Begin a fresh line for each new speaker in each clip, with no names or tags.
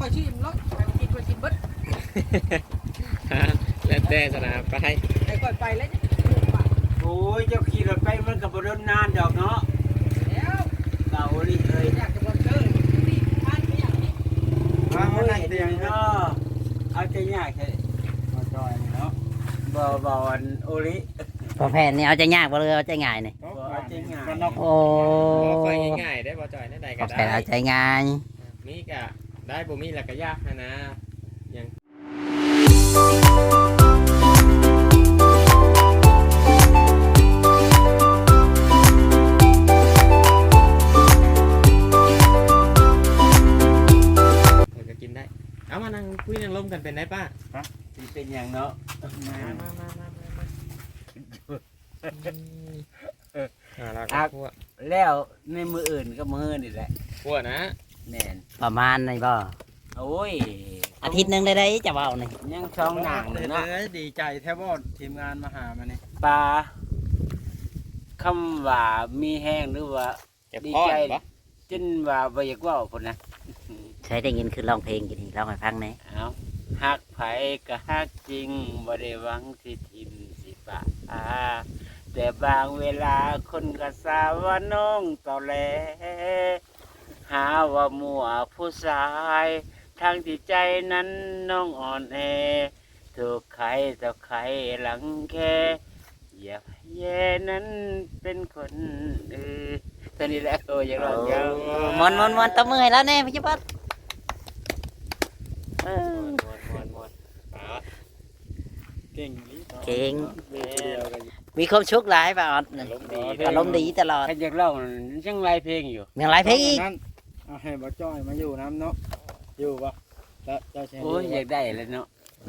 อยชิมรถไปกินคอยกินเบิด
แล้วแต่สนามไป
ไอ้คอยไปแล้วเนี่ย
โอ้ยเจ้าขี่รถไปมันก็บ่โดนนานดอกเนาะ
แล้ว
เก่าดิเอ้ย
อยากจะบอกเจอนี่บ้านไม่อยากนี่
ว่ามันไหนเตียงเนาะเอาใจยากแท้มาจอยเนาะบ่อันโอริ
พอแผ่นนี่เอาใจยากบ่เลยเอาใจง่ายนี่
บ่เอาใจง่าย
โอ้
บ่ค่อยง่ายได้บ่จ่อยได้ใด
พ
ก็
อแผ่น
ได้
เอาใจง่าย
มีก็ได้บ่มีแล้วก็ยากนะยังก็กินได้เอามานั่งคุยนั่งลมกันเป็นได้ป้า
สิเป็นหยังเนาะ
มาเรา
ครั
ก็
บ
พวก
แล้วในมืออื่นก็มือนี่แหละ
พวกนะ
แน่น
ประมาณนี่บ่
โอ้ย
อาทิตย์หนึงได้จะเว้านี่
ยังช่องหนังเนาะ
ดีใจแทบว่าทีมงานมาหามาเนี่ย
ปลาคำว่ามีแห้งหรือว่า
เก็บ
ดี
ก้อน
ใจ
ปะ
จนว่าบ่อยากเว้าพุ่นนะ
เคยได้ยินคือร้องเพลงกี่ทีร้องให้ฟังแหน่
เอาฮักไผก็ฮักจริงบ่ได้หวังสิทิมสิปะแต่บางเวลาคนก็สาว่าน้องตอแหลหาว่ามัวผู้ชายทางที่ใจนั้นน้องอ่อนแอถูกใครต่อใครหลังแค่อย่าแย่นั้นเป็นคนตัวนี้แหละโอ้ยอย่าร้องยาว
มวนตบมือให้แล้วแน่พี่จิ๊บดเออ
มวนเอา
เก่งลิ
เก่ง
เดียวกัน
มีความสุขหลายป่ะออดนี่
อารมณ์ดี
อารมณ์ดีตลอด
ใครอยากร้องยังไล่เพลงอยู่
ยังหลายเพลงอีก
นั้นเอาให้บ่จ้อยมาอยู่น้ำเนาะอยู่ปะแล้วเจ้าแชร์
โอ้ยอยากได้เลยเนาะ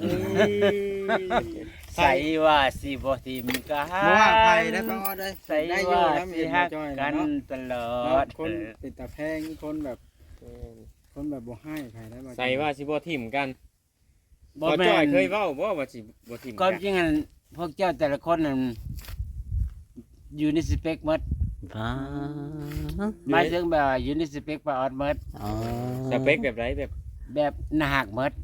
ใส่
ใส่ว่าสิบ่ทิมกัน
บ่ว่าใครได้ป้าออดเลย
ใส่
ได้อยู่
ว่า
น้ำ
สิ
เห็นบ่
ฮัก
จ้อย
กัน
เนาะ
ตลอด
คนติดตะแพงคนแบบบ่ให้ใครได้บ่
ใส่ว่าสิบ่ทิมกัน
บ่
บ่
แม่
จ้อย
น
เคยเว้าบ่ว่าสิบ่ทิม
ความ
กัน
จริงอันพวกเจ้าแต่ละคนนั่นอยู่ในสเปคหมด
อ๋อ
หมายถึงแบบว่าอยู่ในสเปคปาออดหมด
อ๋อ
สเปคแบบไรแบบ
แบบหน้าหักหมด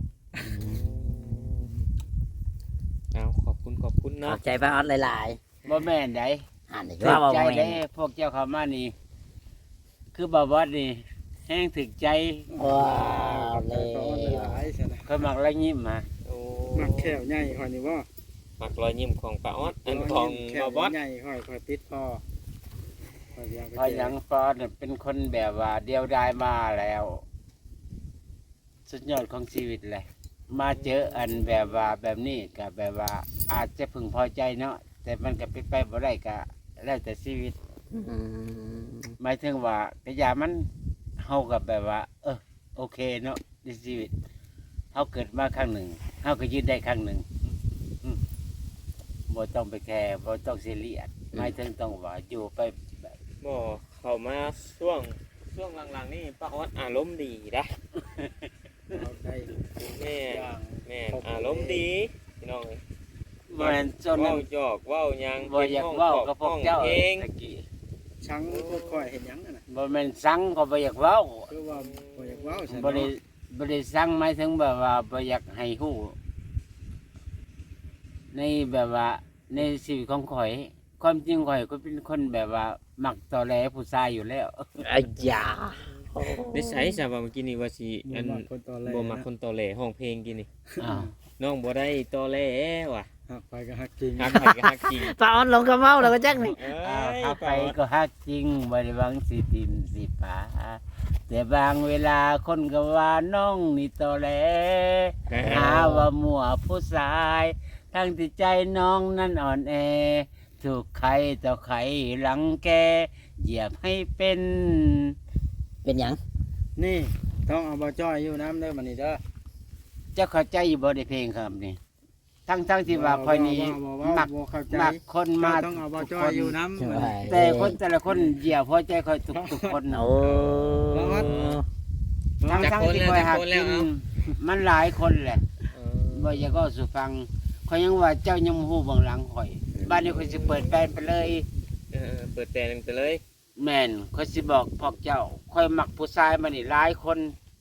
เอาขอบคุณ
ขอ
เนาะ
บใจป้าออดหลาย
บ่แม่นได
ๆอ่านอีก
ถึ
ว่าก บ่
ใจ
แม่
ได้
น
พวกเจ้าเข้ามานี่ คือบ่าวอดนี่แห้งถึกใจ
ว้าวเล
ป้าออด
ย
หลายใช่ไหม
เขามักละยิ้มมา
โอ้
มักแขวใหญ่คอยนี่บ่
มักรอยยิ้มของป้าออดอันของ
แข
บ่
ว
บอส
ใหญ่คอยติดพอคอยอยากไป
เพราะหยังฟอดเนี่ยเป็นคนแบบว่าเดียวดายมาแล้ว สุดยอดของชีวิตเลย มาเจออันแบบว่าแบบนี้กับแบบว่า อาจจะพึงพอใจเนาะแต่มันก็เป็นไปบ่ได้ก็แล้วแต่ชีวิต
อืม
หมายถึงว่ากระยามันเฮากับแบบว่า โอเคเนาะในชีวิตเฮาเกิดมาครั้งหนึ่งเฮาก็ยืนได้ครั้งหนึ่งบ่ต้องไปแคร์บ่ต้องซีเรียสหมายถึงต้องว่าอยู่ไปแบบ
บ่เข้ามาช่วงหลังๆนี่ป้าออดอารมณ์ดีนะ
เอาได้
แม่
อย่าง
แม่อารมณ์ดีพี่น้องเอ้ย
บ่แม่นจนนั้
เว้าน หยอกเว้าหยัง
บ่อยากเว้ากับพวกเจ้า
เอง
ตะกี้
ชังพวกคอยเห็นหยังนั่นน่ะ
บ่แม่นสังก็บ่อยากเว้า
คือว่าบ่อยากเว้าใช่
บ่ได้บ่ได้สังหมายถึงแบบว่าบ่อยากให้ฮู้ในแบบว่าในชีวิตของข่อย ความจริงข่อยก็เป็นคนแบบว่ามักตอแหลผู้ชายอยู่แล้ว
อ้ยา
นิสัยซะว่าเมื่อกี้นี่ว่าสิอัน
บ่มักคนตอนแรก
บ่มักคนตอแหลห้องเพลงกินนี่
อ้าว
น้องบ่ได้ตอแหลว่ะ
หักไปก็หักจริง
ฮักไผก็ฮักจริง
ป้าออดลงกับเมาแล้วก็จักนี่
ถ้าไปก็ฮักจริงบ่ได้หวังสิติมสิปาแต่บางเวลาคนก็ว่าน้องนี่ตอแหลหาว่ามั่วผู้ชาย ทั้งที่ใจน้องนั้นอ่อนแอ ถูกใครต่อใครหลังแกเหยียบให้เป็น
เป็นหยัง
นี่ต้องเอาบ่จ้อยอยู่น้ำเด้อมันนี่เด้อ
เจ้าเข้าใจอยู่บ่ได้เพลงครับนี่ทั้งที่ว่าคอยนี้มัก
บ่เข้าใจ
มักคนมา
ต้องเอาบ่จ้อยอยู่น้ำ
ใช่
แต่คนแต่ละคนเหยียบพอใจคอยทุกคน
โอ้
ทั้งที่คอยหักกินมันหลายคนแหละบ่อยากก็สู่ฟังคอยยังว่าเจ้ายังบ่ฮู้เบื้องหลังข่อย บ้านนี้คอยสิเปิดแฟนไปเลย
เปิดแต่งไปเลย
แม่นคอยสิบอกพวกเจ้าคอยมักผู้ชายมานี่หลายคน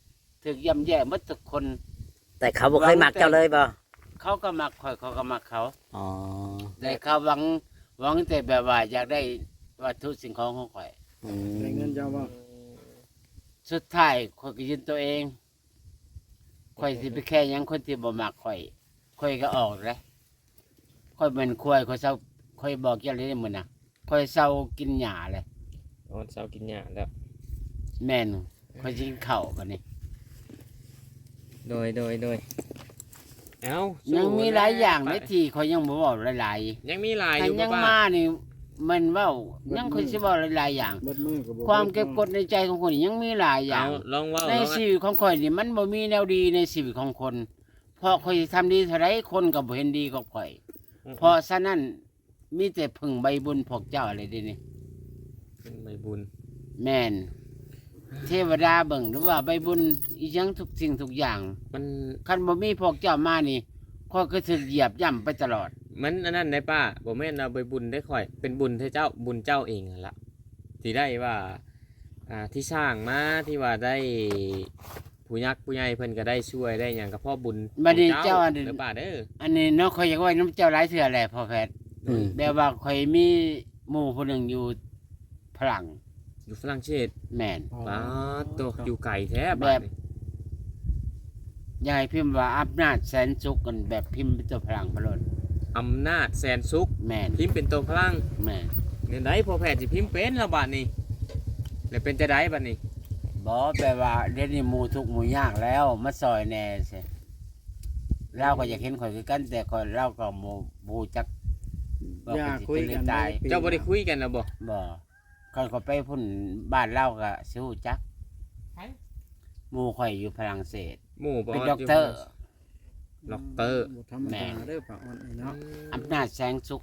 ถึกย่ำแย่หมดทุกคน
แต่เขาบ่เคยมักเจ้าเลยบ่
เขาก็มักข่อยเขาก็มักเขา
อ๋อ
แต่เขาหวังแต่แบบว่าอยากได้วัตถุสิ่งของของข่อย
อื
ได้เงิน
ม
เจ้าบ่
สุดท้ายข่อยก็ยืนตัวเองข่อยสิไปแค่หยังคนที่บ่มักข่อยก็ออกเลยข่อยเป็นควายข่อยเศร้าข่อยบอกอย่างนี้มื้อน่ะข่อยเศร้ากินหญ้าเลย
ออนเสากินหญ้าแล้ว
แม่นข่อยสิกินข้าวบัดนี้
โดยเอ้า
ยั
ยัง
มีหลายอย่างในที่ข่อยยังบ่เว้าหลาย
ยังมีหลาย
ๆ
อ
ถ้า
ยู่
ยัง
ป้า
มานี่มันเว้ายังข่อยสิเว้าหลายๆอย่าง
เบิดมือก็บ่
ความเก็บกดในใจของคนนี่ยังมีหลายอย่า
เอา
ง
ลองเว่า
ใน
ลอง
ชีวิตของข่อยนี่มันบ่มีแนวดีในชีวิตของคน เพราะข่อยทำดีเท่าไรคนก็บ่เห็นดีกับข่อย เพราะฉะนั้นมีแต่พึ่งใบบุญพวกเจ้าอะไรเดินี่
เป็นใบบุญ
แม่นเทวดาเบิ่งหรือว่าใบบุญอีหยังทุกสิ่งทุกอย่าง
มัน
คันบ่มีพวกเจ้ามานี่ข่อยก็ถูกเหยียบย่ำไปตลอด
มันอันนั้นได้ป้าบ่แม่นเอาใบบุญได้ค่อย เป็นบุญให้เจ้าบุญเจ้าเองนั่นละที่ได้ว่าที่สร้างมาที่ว่าได้ผู้ยักษ์ผู้ใหญ่เพิ่นก็ได้ช่วยได้หยังกับพ่อบุญ
บัดนี้
ของ
เจ้าอันนี้
หรือป้าเด้อ
อันนี้เนาะข่อยอยากไว้น้ำเจ้าหลายเทื่อแหละพ่อแพทย์
อืม
แบบว่าข่อยมีหมู่ผู้หนึงอยู่ฝรั่ง
อยู่ฝรั่งเศส
แม่น
ป้าโตอยู่ไกลแท้
แบบ
บ้านนี่
ยายพิมพ์ว่าอำนาจแสนสุขกันแบบพิมพ์เป็นตัวพลังพลน
อำนาจแสนสุข
แม่น
พิมพ์เป็นตัวพลัง
แม่น
เนี่ยได้พอแพทย์สิพิมพ์เป็นและบาดนี้แล้วเป็นจะได้บัดนี้
บอกแปลว่าเดี๋ยวนี้หมู่ทุกข์หมู่ยากแล้วมาซอยแหน่เสิเราก็อยากเห็นข่อยคือกันแต่ข่อยเราก็บ่จักว่า
อย่า
ข่อยสิ
คุย
เป็นห
กั
รือน ตาย
เจ้าบ่ได้คุยกันนะบ่
บ่ข่อยก็ไปพุ่นบ้านเราก็สิฮู้จักหมู่ข่อยอยู่ฝรั่งเศส
หมู่บ่
เป็นด็อกเตอร์
ด็อกเตอร์
บ่ธรรมดาเด้อป้าออนนี่เนาะ
อำนาจแสงสุข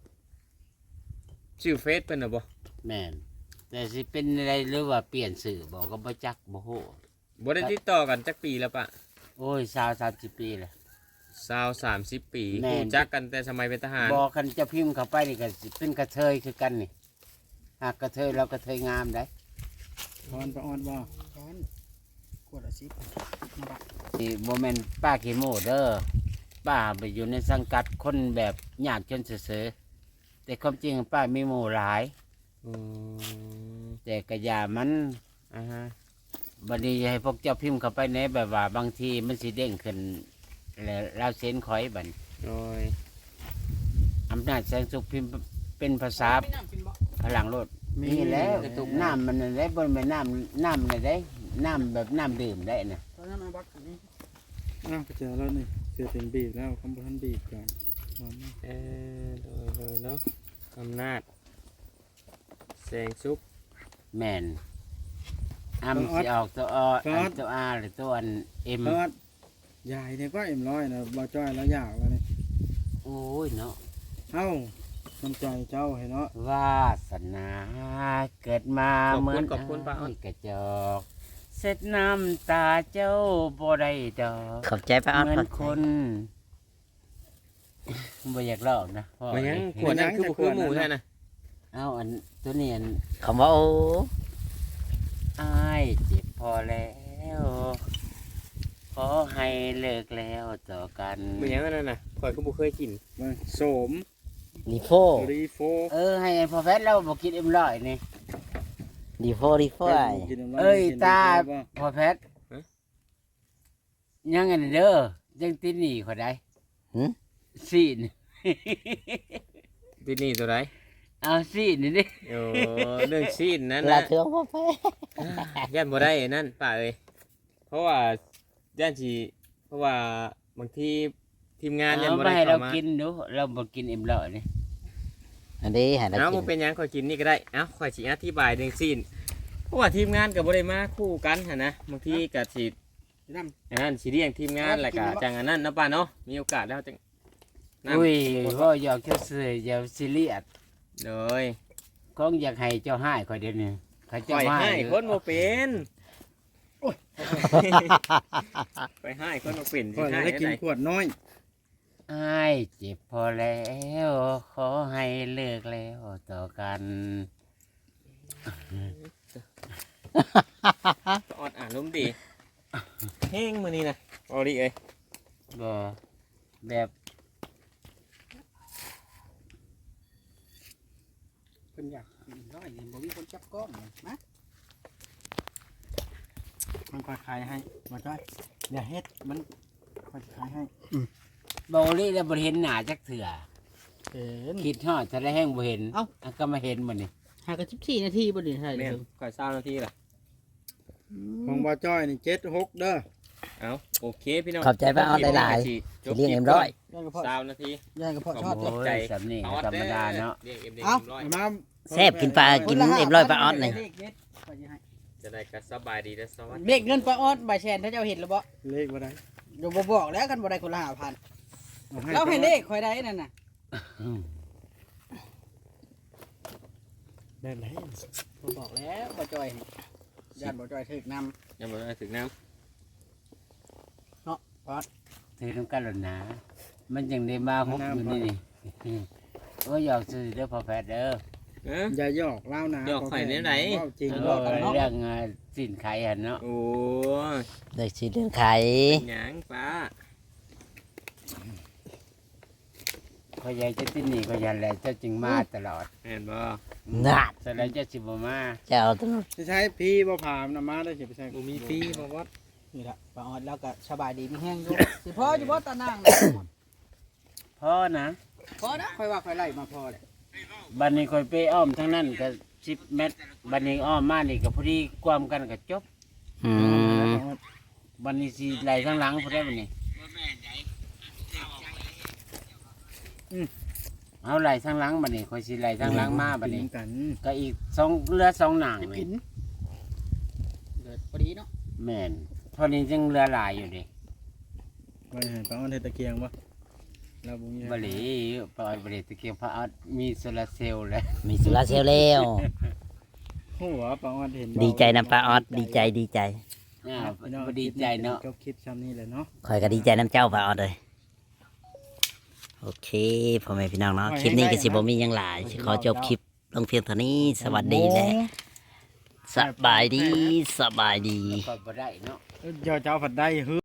ชื่อเฟซเป็นน่ะบ่
แม่นแต่สิเป็นอะไรหรือว่าเปลี่ยนสื่อบ่ก็บ่จักบ่ฮู้
บ่ได้ติดต่อกันจักปีแล้วปะ
โอ้ย20-30 ปีแล้ว
20-30 ปี
แม่น
รู้จักกันแต่สมัยเป็นทหาร
บอกกันจะพิมพ์เข้าไปนี่ก็สิเป็นกระเทยคือกันนี่หากกระเทยเรากระเทยงามได้
พรป้าออนบ่พรขวดละ10มาบัก
นี่โมเมนป้าขี้โมเด้อป้าไปอยู่ในสังกัดคนแบบยากจนเสือๆแต่ความจริงป้ามีหมู่หลาย
อืม
แต่กระยามัน
อ่าฮะ
บัดนี้ให้พวกเจ้าพิมพ์เข้าไปในแบบว่าบางทีมันสิเด้งขึ้นแล้วเราเส้นคอยบัด
โดย
อำนาจแสงสุขพิมพ์เป็นภาษา
ไม่น้ำกินบ่
พลังโลดมีแล้วน้ำมันได้บนแม่น้ำมันได้น้ำแบบน้ำดื่มได้นะ
ตอนนั้นมาบักอันนี้
อ้าวก็เจอแล้วนี่เจอเป็นบีบแล้วคำบ่ทันบีบก่อนมามา
โดยเนาะอำนาจแสงสุข
แม่นอ้ำสิออกตัวออันตัวอาหรือตัวอันเอ็ม
เพิดยายเนี่ยก็เอ็มร้อยนะบ่จ้อยแล้วอยากแล้วนี่
โอ้ยเนาะ
เอ้าน้ำใจเจ้าให้เนาะ
วาสนาเกิดมา
ขอบ
เหมื
คุ
อ
ณ
น
ขอบคุณป้าอ้อน
กระจอกเสร็จน้ำตาเจ้าบ่ได้ดอก
ขอบใจป้าออน
เหมือน
ขอบ
คนบ่อยากเล่านะพ่อ
มันยังขวดนั้นคือบ่คือหมู่แท้น่ะ
เอาอันตัวนี้อัน
คำว่าโอ้
อ้ายเจ็บพอแล้ว ขอให้เลิกแล้วต่อกัน
มันยังอันนั้นน่ะข่อยก็บ่เคยกิน
มาโสม
ดีโฟ
รีโฟ
ให้พอแฟนเราบอกกินเอ็มร้อยนี่
ดีโฟดีโฟไอ้
กินน้ำร้น
เอ้ย
กิน
ตา
ดีโฟบ่
พอแพทย์ยังไงเด้อยังติดหนีเขาได้ซีน
ที่นี่ตัวใด
เอาซีนนี่ดิ
โอ้เรื่องซีนนั้น
ลา
นะ
เทืองพ่อแพ้
ย่านบ่ได้นั่นป้าเอ้ยเพราะว่าย่านสิเพราะว่าบางทีทีมงานย่าน
เอา
บ่
ไป
ได้
ให้เรา
เข้ามา
กินดูเราบอกกินเอ็มร้อยนี่
อันนี้ให้เรา
เอ้า
กิ
บ่
น
เป็นหยังข่อยกินนี่ก็ได้เอ้าข่อยสิอธิบายเรื่องซีนเพราะว่าทีมงานก็บ่ได้มาคู่กันหั่นนะบางทีก็สิ
น้
อันนั้นสิเลี้ยงทีมงานแล้วก็จังอันนั้นเนาะป้าเนาะมีโอกาสแล้วจังนั่น
อุ้ยว่าอยากจะซื้ออย่าซีเรียส
โดย
คงอยากให้เจ้าให้คอยเดี๋ยวนี้เขาเจ้า
ข่อย
ให้
ให้คนบ่เป็นไปให้คนบ่เป็น
ำ
สิ
ก็
ให้
ได้กิน
ได้
ขวดน้อย
อ้ายเจ็บพอแล้ว ขอให้เลิกแล้วต่อกัน
ออดอ่านลมณ์ดีแห้งมื้อนี้นะเอาดิเอ้ย
บ่แบบ
เพิ่นอยากกินร้อยนี่บ่มีคนจับกล้องเลยนะมันค่อยขายให้บ่จ้อยอย่าเฮ็ดมันค่อยขายให้
บ่ลี่แล้วบ่เห็นหน้าจักเถื่อ
เห็น
คิดฮอดจะได้แห้งบ่เห็น
เอ้า
ะก็มาเห็นมื้อนี้
หากัน14นาทีบ่ได้ใช่
แม่นข่อย20นาทีล่ะ
ของบ่จ้อยนี่7-6เด้อ
เอาโอเคพี่น้อง
ขอบใจป้าออดหลายๆสิเลี้ยงเอ็มร้อย
ย่างกระเพาะ
20นาที
ย่างกระเพาะชอด
ขอบใจ
โอ้ยสำนี่ธรรมดาเนาะ
เรียกเอ็มเด็ก
เอ้า
ร้อย
มา
แซ่บกินปลากินเอ็มร้อยป้าออดนี่
จะได้ก็สบายดีและสวัสดี
เด็กเงินปลาออดใบแชนถ้าเจ้าเห็นแล้วบ่
เลขบ่ได้
เดี๋ยวบ่บอกแล้วกันบ่ได้คนละ5,000
เอา
เราให้เลขข่อยได้นั่นน่ะ
อืม
แบบไหน
บ่บอกแล้วบ่จอยให้ญาติบ่จอยถึกนำ
ยังบ่ได้ถึงน้
ถือน้ำกันหล่นนะมันจังได้มาฮบอยู่นี่นี่โอ้ยอยากซื้อเด้อพ่อแพทย์เด้อ
ำเอ้อ
อย่าหยอกเล่านะ
หยอกข่อยเนี่ยไหน
เว้าจริง
เอ
เว้า
อ
กันเนาะ
เรื่องสินไขหั่นเนาะ
โอ้ย
ได้สิเรื่องไข่
หยังป้า
เขาใหญ่จะที่นี่ก็ยันแหละเจ้าจึงมาตลอด
แม่นบ่
น่า
แสดงเจ้าสิบ่มา
เจ้าต้อง
สิใช้พี่บ่พามนำมาได้สิไปใช้
บ่มีฟรีบ่วัด
นี่ล่ะปลาออดแล้วก็สบายดีมีแห้งอยู่ สิพออยู่บ่ตานางน่ะ
พ่อนะ
พอนะข่อยว่าข่อยไล่มาพอเลย
บัดนี้ค่อยไปอ้อมทั้งนั้นก็10 เมตรบัดนี้อ้อมมานี่ก็พอดีความกันก็จบ
อืม
บัดนี้สิไหลทั้งหลังพอได้บัดนี้เอาไหลทั้งหลังบัดนี้ค่อยสิไหลทั้งหลังมาบัดนี้
กิกัน
ก็อีกเรือ2หนัง
กิ
นี่
นเกิดพอดีเนาะ
แม่นเท่านี้จึงเรือหลายอยู่ดิ
ไว้ให้ป้าอ้อนเฮ็ดตะเกียงบ่เราบ่มี
บริปอยบริตะเกียงพระอัดมีโซลาร์เซลล์แล้ว
มีสุราเซลลแล้ว
หัวป้าอ้อนเห็นบ่
ดีใจนำป้าออดดีใจดีใจ
อ่า
พี่น้อง
บดีใจเนาะ
จบคลิปซ้ำนี้แหละเนาะ
คอยก็ดีใจน้ำเจ้าป้าออดเลยโอเคพ่อแม่พี่น้องเนาะคลิปนี้ก็สิบ่มีหยังหลายสิขอจบคลิปลงเพียงเท่านี้สวัสดีและสบายดีสบายดี
ก็บ่ได้เนาะ
เจ้าผัดได้ฮึ